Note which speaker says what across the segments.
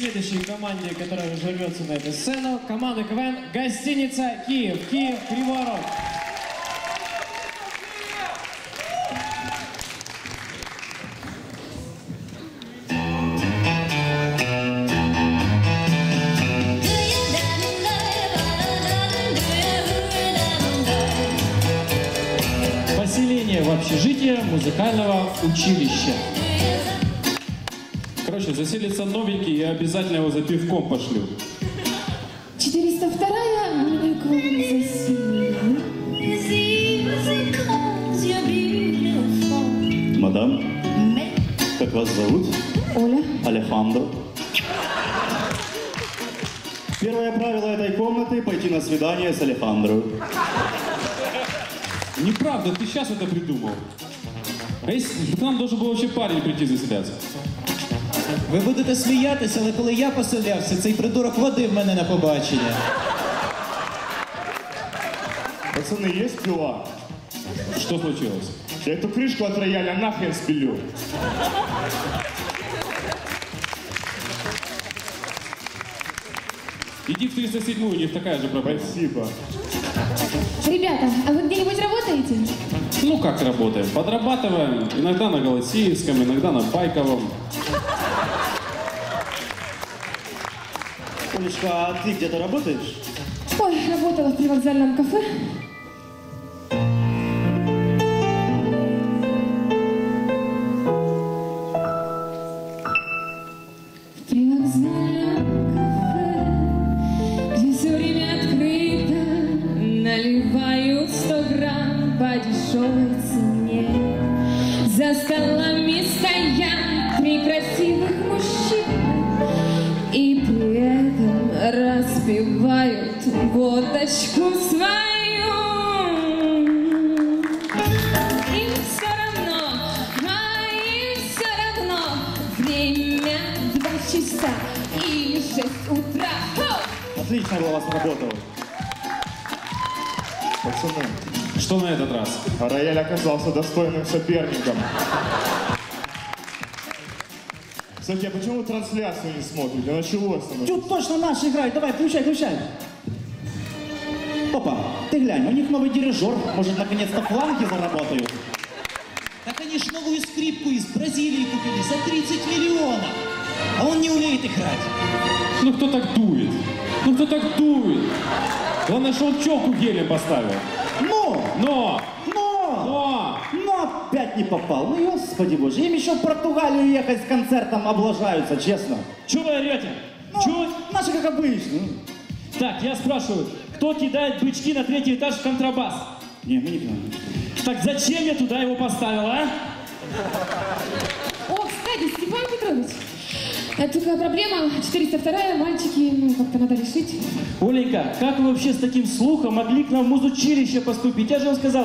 Speaker 1: Следующей команде, которая рвется на эту сцену, команда КВН «Гостиница Киев». Киев, Кривой Рог. Поселение в общежитие музыкального училища.
Speaker 2: Короче, заселится новенький, я обязательно его за пивком пошлю.
Speaker 3: 402-я, меня к вам засилили.
Speaker 4: Мадам, как вас зовут?
Speaker 3: Оля.
Speaker 4: Алехандро. Первое правило этой комнаты – пойти на свидание с Алехандро.
Speaker 2: Неправда, ты сейчас это придумал. А если к нам должен был вообще парень прийти заселяться?
Speaker 5: Ви будете сміятися, але коли я поселявся, цей придурок водив мене на побачення.
Speaker 4: Пацаны, есть пила?
Speaker 2: Что случилось?
Speaker 4: Я эту крышку от рояля нахрен спилю.
Speaker 2: Иди в 307-ю, у них такая же проблема.
Speaker 4: Спасибо.
Speaker 3: Ребята, а вы где-нибудь работаете?
Speaker 2: Ну как работаем? Подрабатываем. Иногда на Голосеевском, иногда на Байковом.
Speaker 4: Олечка, а ты где-то работаешь?
Speaker 3: Ой, работала в привокзальном кафе. В привокзальном кафе, где все время открыто, наливают 100 грамм по дешевой цене. За столами стоят 3 красивых мужчины и при этом распивают водочку свою. Им все равно, время 2 часа или 6 утра.
Speaker 4: Отлично была у вас работа. Пацаны,
Speaker 2: Что на этот раз?
Speaker 4: а рояль оказался достойным соперником. Кстати, а почему вы трансляцию не смотрите? Началось оно.
Speaker 6: Тут точно наши играют. Давай, включай. Опа, ты глянь, у них новый дирижер. Может, наконец-то фланги заработают?
Speaker 5: Так они ж новую скрипку из Бразилии купили за 30 миллионов. А он не умеет играть.
Speaker 2: Ну кто так дует? Главное, что он челку гелем поставил.
Speaker 6: Но опять не попал. Ну, господи боже, им еще в Португалию ехать с концертом облажаются, честно.
Speaker 1: Чего вы орете?
Speaker 6: Ну, наши как обычно.
Speaker 1: Так, я спрашиваю, кто кидает бычки на 3-й этаж в контрабас?
Speaker 6: Не, мы не понимаем.
Speaker 1: Так зачем я туда его поставил, а?
Speaker 3: О, кстати, Степан Петрович, такая проблема, 402-я, мальчики, ну, как-то надо решить.
Speaker 1: Оленька, как вы вообще с таким слухом могли к нам в музучилище поступить? Я же вам сказал,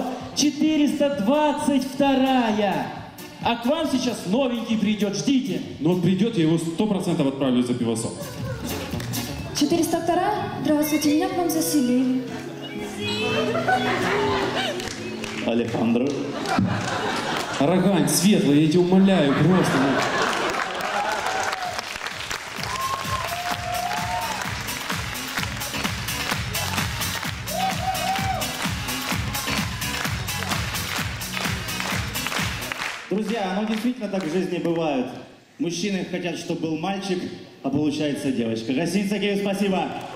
Speaker 1: 422-я. А к вам сейчас новенький придет, ждите.
Speaker 2: Но он придет, я его 100% отправлю за пивосом.
Speaker 3: 402-я, здравствуйте, меня к вам заселили.
Speaker 4: Алехандро.
Speaker 2: Рогань, светлый, я тебя умоляю, просто.
Speaker 6: Друзья, ну действительно так в жизни бывает. Мужчины хотят, чтобы был мальчик, а получается девочка. Гостиница Киев, спасибо.